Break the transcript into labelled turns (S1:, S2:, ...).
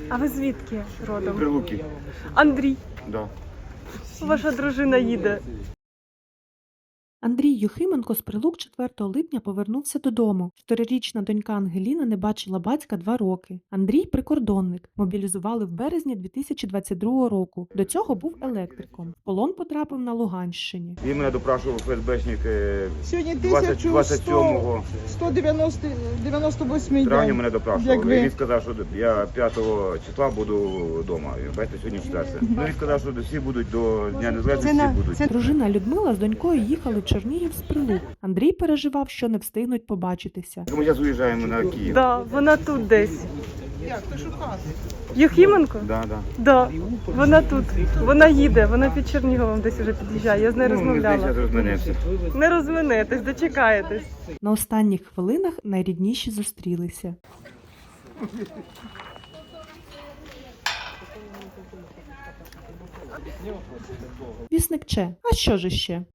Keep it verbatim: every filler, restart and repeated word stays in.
S1: А ви звідки родом?
S2: Прилуки.
S1: Андрій,
S2: Да.
S1: ваша дружина їде.
S3: Андрій Юхименко з Прилук четвертого липня повернувся додому. Чотирирічна донька Ангеліна не бачила батька два роки. Андрій – прикордонник. Мобілізували в березні дві тисячі двадцять другого року. До цього був електриком. В полон потрапив на Луганщині.
S2: Він мене допрашував ФСБшник е,
S4: Сьогодні
S2: двадцять- двадцять сьомого
S4: сто дев'яносто восьмий
S2: травня
S4: день.
S2: мене
S4: Як
S2: допрашував.
S4: ви?
S2: І він сказав, що я п'ятого числа буду вдома. Бачите, сьогодні четверте. Ну, він сказав, що всі будуть до Дня Незалежності,
S4: Це на-
S2: всі будуть.
S4: це-
S3: Дружина Людмила з донькою їхали в Чернігів з Прилук. Андрій переживав, що не встигнуть побачитися.
S2: Ми зараз уїжджаємо на Київ.
S1: Да, вона тут десь.
S4: Як? То шукати?
S1: Юхименко?
S2: Да, да.
S1: Да, вона тут. Вона їде, вона під Черніговом десь уже під'їжджає. Я з нею
S2: Ну, ми
S1: розмовляла.
S2: зараз розминемося.
S1: Не розминетесь, дочекаєтесь.
S3: На останніх хвилинах найрідніші зустрілися. Вісник Че. А що ж іще?